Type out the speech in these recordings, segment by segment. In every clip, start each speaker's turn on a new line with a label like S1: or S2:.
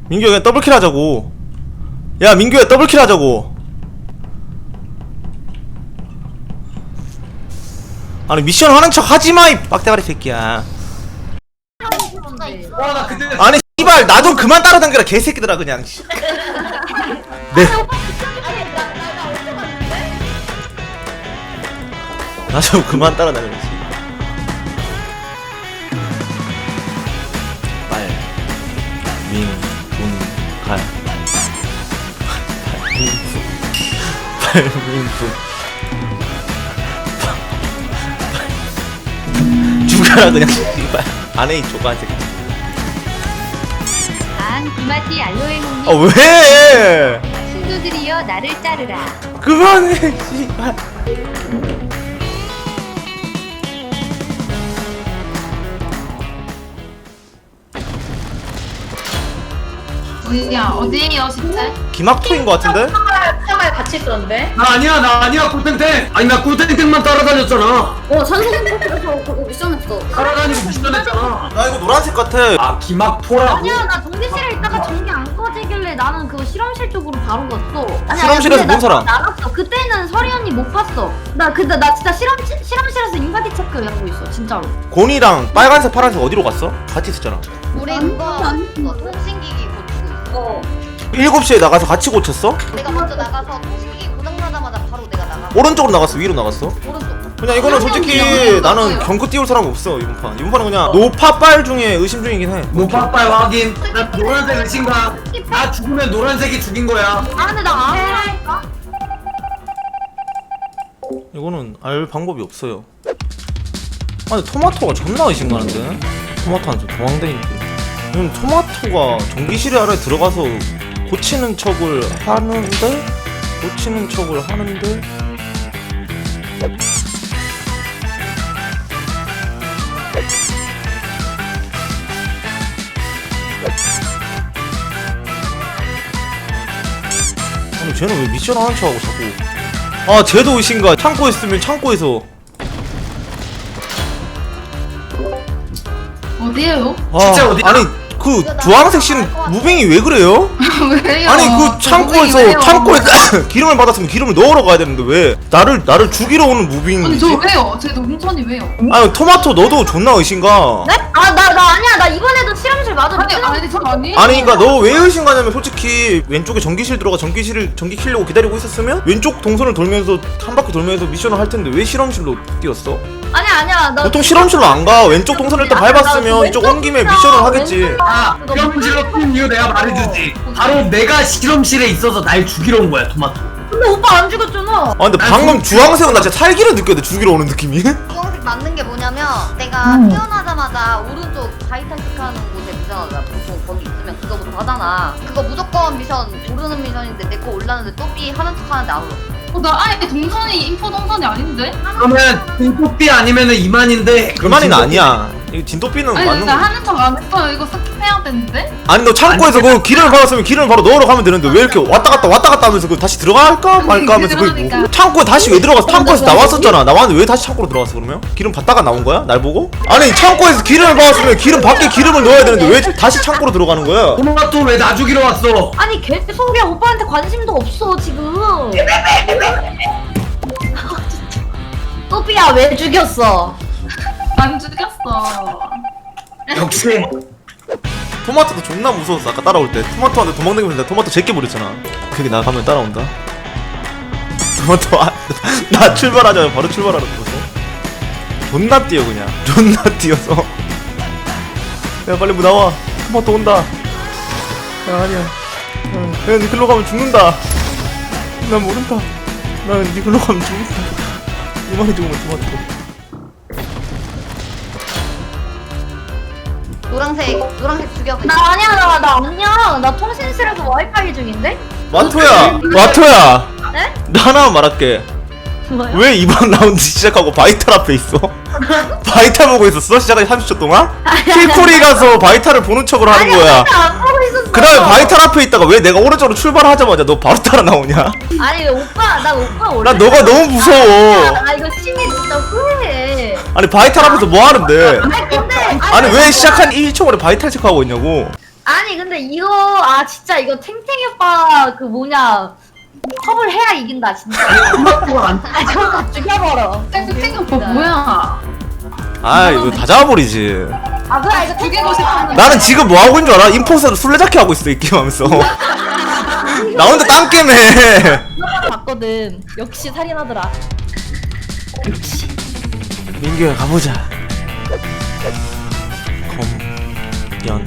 S1: 민규야 그냥 더블킬 하자고. 야 민규야 더블킬 하자고. 아니 미션 하는 척 하지마 이 빡대가리 새끼야.
S2: 와, 나 그때
S1: 아니 씨발 나 좀 그만 따라다니라 개새끼들아 그냥. 네. 나 좀 그만 따라다니라. 빨, 민, 분, 갈. 발민분. 죽어라 그냥 씨발. 안에 이 조그만 새끼.
S3: 구마티 알로에
S1: 아
S3: 홍님
S1: 왜?
S3: 신도들이여 나를 따르라.
S1: 그만해 씨발.
S4: 어디에요 진짜?
S1: 기막토인 것 같은데?
S2: 생활 같이 있었는데?
S5: 나 아니야 꿀탱탱. 아니 나 꿀탱탱만 따라다녔잖아.
S2: 선생님께서 그거 미션했어.
S5: 따라다니고 미션했잖아.
S1: 나 이거 노란색 같아.
S5: 아 기막토라고?
S6: 아니야 나 전기실에 있다가 전기 안 꺼지길래 나는 그 실험실 쪽으로 바로 갔어. 아니,
S1: 실험실에서
S6: 근데
S1: 본 사람?
S6: 나 나갔어. 그때는 서리 언니 못 봤어. 나 근데 나 진짜 실험실에서 인바디 체크 하고 있어 진짜로.
S1: 곤이랑 빨간색 파란색 어디로 갔어? 같이 있었잖아.
S7: 우리 그거 통신기기 고치고 있어.
S1: 7시에 나가서 같이 고쳤어?
S7: 내가 먼저 나가서 통신기기 고장나자마자 바로 내가 나가.
S1: 오른쪽으로 나갔어? 위로 나갔어?
S7: 오른쪽.
S1: 그냥 이거는 솔직히 나는 경크 띄울 사람 없어 이번 판. 이번 판은 그냥 노파빨 중에 의심 중이긴 해.
S5: 노파빨 확인. 나 노란색 의심가. 나 죽으면 노란색이 죽인 거야.
S6: 아 근데 나 아무라니까.
S1: 이거는 알 방법이 없어요. 아니 토마토가 존나 의심가는데? 토마토는 좀 도망다니는데. 이건 토마토가 전기실에 아래 들어가서 고치는 척을 하는데? 아니 쟤는 왜 미션 하는 척하고 자꾸. 아 쟤도 의심가. 창고에 있으면 창고에서.
S4: 어디에요?
S1: 아,
S5: 진짜 어디야?
S1: 아니 그 주황색 씨는 무빙이 왜 그래요?
S4: 왜요?
S1: 아니 그 창고에서 기름을 받았으면 기름을 넣으러 가야 되는데 왜 나를 죽이러 오는
S4: 아니
S1: 무빙이지?
S4: 저 왜요? 제 농촌이 왜요?
S1: 아니 토마토 너도 존나 의심가.
S6: 네? 나 아니야. 나 이번에도 실험실 맞아.
S4: 아니 저 아니.
S1: 아니 그니까 너 왜 의심가냐면 솔직히 왼쪽에 전기실 들어가 전기 켜려고 기다리고 있었으면 왼쪽 동선을 돌면서 한 바퀴 돌면서 미션을 할 텐데 왜 실험실로 뛰었어?
S6: 아니야. 나
S1: 보통 실험실로 안 가. 왼쪽 동선을 일단 밟았으면 이쪽 온 김에 미션을 하겠지.
S5: 아 실험실로 뛴 이유 내가 말해주지. 바로 내가 실험실에 있어서 날 죽이러 온 거야 토마토.
S6: 근데 오빠 안 죽였잖아.
S1: 아 근데 방금 주황색은 나 진짜 살기를 느꼈는데 죽이러 오는 느낌이?
S7: 주황색 맞는 게 뭐냐면 내가 태어나자마자 오른쪽 바이탈 체크하는 곳에 있잖아. 보통 거기 있으면 그거부터 하잖아. 그거 무조건 미션 모르는 미션인데 내 거 올랐는데 또삐 하는 척 하는데 안 올랐어.
S4: 나 아예 동선이 인포 동선이 아닌데?
S5: 그러면 등토삐 아니면은 이만인데.
S1: 그만이는 아니야. 이거 진또삐는
S4: 아니
S1: 맞는
S4: 나
S1: 거.
S4: 하는 척 안 했어요. 이거 스킵해야 되는데?
S1: 아니 너 창고에서 그 기름을 받았으면 기름을 바로 넣으러 가면 되는데 왜 이렇게 왔다 갔다 하면서 그 다시 들어갈까 말까 하면서 그
S4: 그러니까.
S1: 창고에 다시 왜 들어갔어? 창고에서 나왔었잖아. 나왔는데 왜 다시 창고로 들어갔어 그러면? 기름 받다가 나온 거야? 날 보고? 아니 창고에서 기름을 받았으면 기름 밖에 기름을 넣어야 되는데 왜 다시 창고로 들어가는 거야?
S5: 토마토 왜 나 죽이러 왔어?
S6: 아니 계속이야. 오빠한테 관심도 없어 지금. 또삐야 왜 죽였어?
S4: 안 죽였어.
S5: 역시
S1: 토마토도 존나 무서웠어 아까 따라올 때. 토마토한테 도망다니면서 내가 토마토 제껴 버렸잖아. 그게 나 가면 따라온다. 토마토 나 출발하자마자 바로 출발하는 거였어. 존나 뛰어 그냥. 존나 뛰어서. 야 빨리 뭐 나와. 토마토 온다. 야 아니야. 야 니 글로 가면 죽는다. 난 모른다. 난니 글로 가면 죽는다. 이만해 죽으면 토마토.
S7: 노란색 죽여 그냥.
S6: 나 아니야. 나 통신실에서 와이파이 중인데?
S1: 마토야.
S6: 네?
S1: 나 하나만 말할게.
S6: 뭐요?
S1: 왜 이번 라운드 시작하고 바이탈 앞에 있어? 바이탈 보고 있었어? 시작하기 30초 동안? 킬코리 가서 바이탈을 보는 척을 하는 거야.
S6: 안 보고 있었어.
S1: 그 다음에 바이탈 앞에 있다가 왜 내가 오른쪽으로 출발하자마자 너 바로 따라 나오냐?
S6: 아니 오빠 나 원래.
S1: 나 너가 너무 무서워.
S6: 나 이거 심히 진짜 후회해.
S1: 아니 바이탈 앞에서 뭐 하는데?
S6: 아니 근데
S1: 아니 왜 시작한 1초 만에 바이탈 체크하고 있냐고?
S6: 아니 아니 근데 이거 진짜 이거 탱탱이 오빠 그 뭐냐 컵을 해야 이긴다 진짜. 저거 다 죽여버려.
S4: 땡땡 오빠 뭐야?
S1: 아 이거 다 잡아버리지.
S6: 그래 이거
S4: 죽이고 싶어.
S1: 나는 지금 뭐 하고 있는 줄 알아? 인포스로 술래잡기 하고 있어 이 게임 하면서. 나 혼자 딴 게임 해.
S8: 봤거든. 역시 살인하더라.
S1: 민규야 가보자. 연주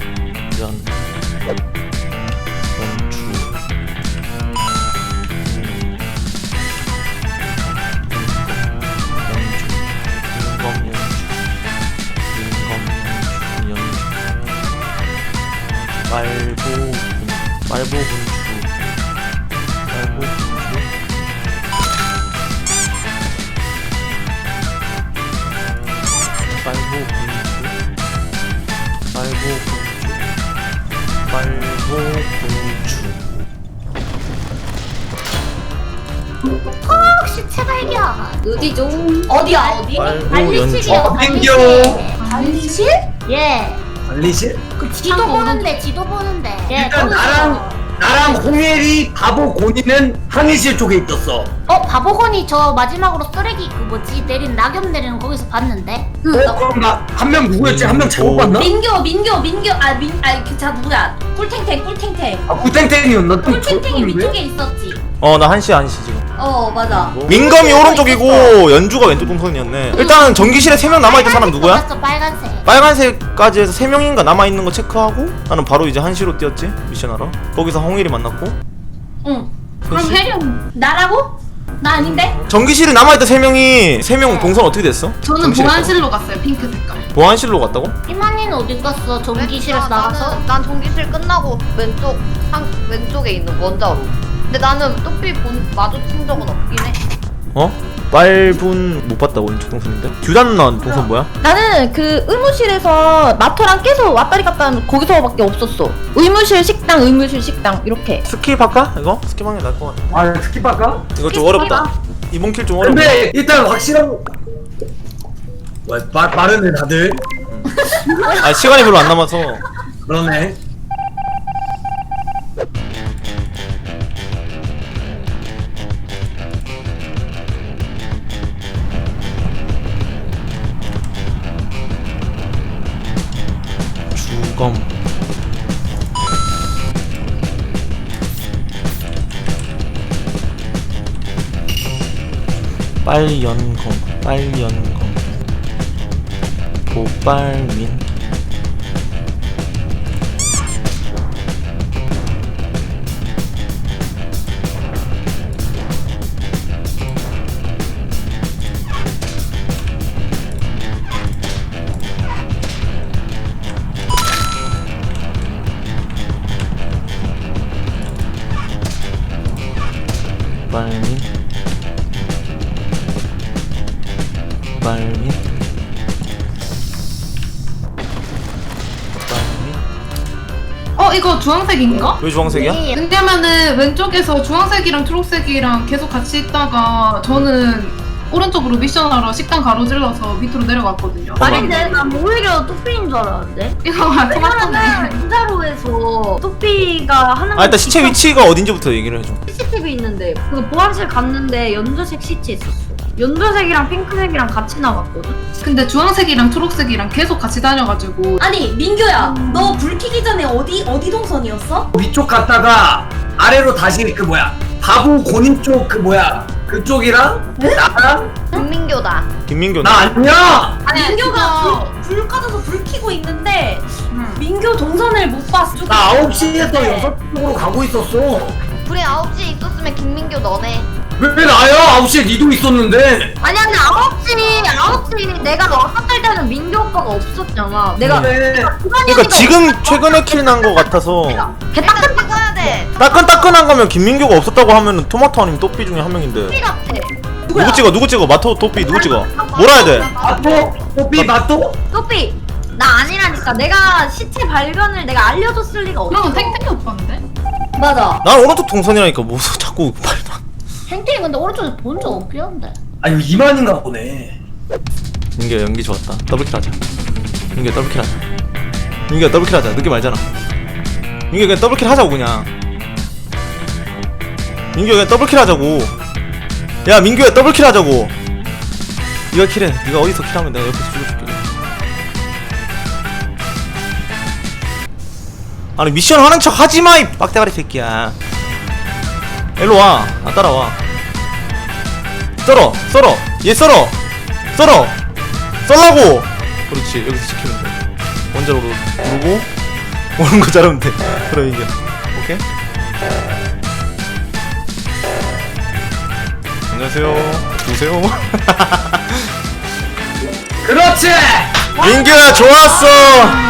S6: 시체 발견.
S2: 어디죠?
S6: 어디야 어디?
S1: 빨보 연주.
S5: 민규
S6: 관리실? 예.
S5: 관리실?
S6: 그 지도 보는데 지도 보는데. 예.
S5: 일단 나랑 홍혜리 바보 고니는 항해실 쪽에 있었어.
S6: 바보건이 저 마지막으로 쓰레기 그 뭐지 내린 낙엽 내리는 거기서 봤는데.
S5: 그럼 나 한 명 누구였지? 한 명 잘못 봤나?
S2: 민규 자 누구야? 꿀탱탱.
S5: 구탱탱이었나?
S2: 꿀탱탱이 위쪽에 있었지.
S1: 나 한시 지금.
S2: 맞아.
S1: 민검이 오른쪽이고 연주가 왼쪽 동선이었네. 일단은 전기실에 3명 남아있던 사람 누구야?
S6: 봤어, 빨간색.
S1: 빨간색까지 해서 3명인가 남아있는 거 체크하고 나는 바로 이제 한시로 뛰었지 미션하러. 거기서 홍일이 만났고.
S2: 응.
S1: 그럼
S2: 혜련 나라고? 나 아닌데?
S1: 전기실에 남아있던 3명 동선 어떻게 됐어?
S4: 저는
S1: 전기실에서.
S4: 보안실로 갔어요. 핑크 색깔.
S1: 보안실로 갔다고?
S6: 이만희는 어디 갔어? 전기실에서 나가서?
S7: 난 전기실 끝나고 왼쪽에 있는 원자로. 근데 나는 또삐 마주친 적은 없긴 해.
S1: 빨분 못 봤다고 왼쪽 동선인데? 듀단 누나 동선 뭐야?
S8: 나는 그 의무실에서 마토랑 계속 왔다리 갔다 하면 거기서밖에 없었어. 의무실 식당 이렇게.
S1: 스킵 할까? 이거? 스킵하는 게 나을 것 같아.
S5: 스킵할까?
S1: 이거 좀 어렵다. 이번 킬 좀 어렵다.
S5: 근데 일단 확실한 빠르네 다들.
S1: 시간이 별로 안 남아서.
S5: 그러네.
S1: 주검. 빨연검. 보빨민. 빨민.
S4: 이거 주황색인가?
S1: 왜 주황색이야?
S4: 왜냐면은 왼쪽에서 주황색이랑 초록색이랑 계속 같이 있다가 저는 오른쪽으로 미션하러 식당 가로질러서 밑으로 내려갔거든요.
S6: 아닌데 난 오히려 뚜삐인 줄 알았는데.
S4: 이거 토마토네.
S6: 왜냐면은 인자로에서 뚜삐가 하는
S1: 일단 시체 위치가 어딘지부터 얘기를 해줘.
S6: CCTV 있는데 그 보안실 갔는데 연두색 시체 있었어. 연두색이랑 핑크색이랑 같이 나갔거든.
S4: 근데 주황색이랑 초록색이랑 계속 같이 다녀가지고
S2: 아니 민규야, 너 불 켜기 전에 어디 동선이었어?
S5: 위쪽 갔다가 아래로 다시 바보 고니 쪽 그쪽이랑 나랑
S7: 김민교다.
S1: 김민규.
S5: 나 아니야.
S2: 민규가 불 꺼져서 불 켜고 있는데 민규 동선을 못 봤어.
S5: 나 9시에서 6쪽으로 가고 있었어.
S7: 불이 9시에 있었으면 김민교 너네.
S5: 왜 나야? 9시에 니도 있었는데.
S6: 아니야 근데 9시 내가 왔었을 때는 민규 오빠가 없었잖아. 내가
S5: 그래.
S1: 그러니까 지금 최근에 킬 난 거 같아서
S7: 일단 찍어야 돼.
S1: 따끈따끈한 거면 김민규가 없었다고 하면은 토마토 아니면 또삐 중에 한 명인데.
S6: 뚜삐 같아.
S1: 누구 찍어? 마토 또삐 누구 찍어? 뭐라 해야 돼?
S5: 마토? 뽀삐 마토?
S6: 뚜삐 나 아니라니까. 내가 시체 발견을 내가 알려줬을 리가 없어.
S4: 그럼 탱탱이 오빠인데?
S2: 맞아.
S1: 난 오른쪽 동선이라니까 뭐 자꾸 말도 안.
S2: 탱탱이 근데 오른쪽에 본 적 없긴 한데.
S5: 아니 이만인가 보네.
S1: 민규야 연기 좋았다. 더블킬 하자. 민규야 더블킬 하자. 늦게 말잖아. 민규 그냥 더블킬 하자고 그냥. 민규 그냥 더블킬 하자고. 야 민규야 더블킬 하자고. 네가 킬해. 네가 어디서 킬하면 내가 옆에서 죽여줄게. 아니 미션 하는 척 하지마 이 빡대가리 새끼야. 일로와. 아 따라와. 썰어 썰어 얘 썰어 썰어 썰라고. 그렇지 여기서 지키면 돼. 원자로 누르고 오는 거 자르면 돼. 그럼 이겨. 오케이. 안녕하세요. 누구세요?
S5: 그렇지.
S1: 민규야 좋았어.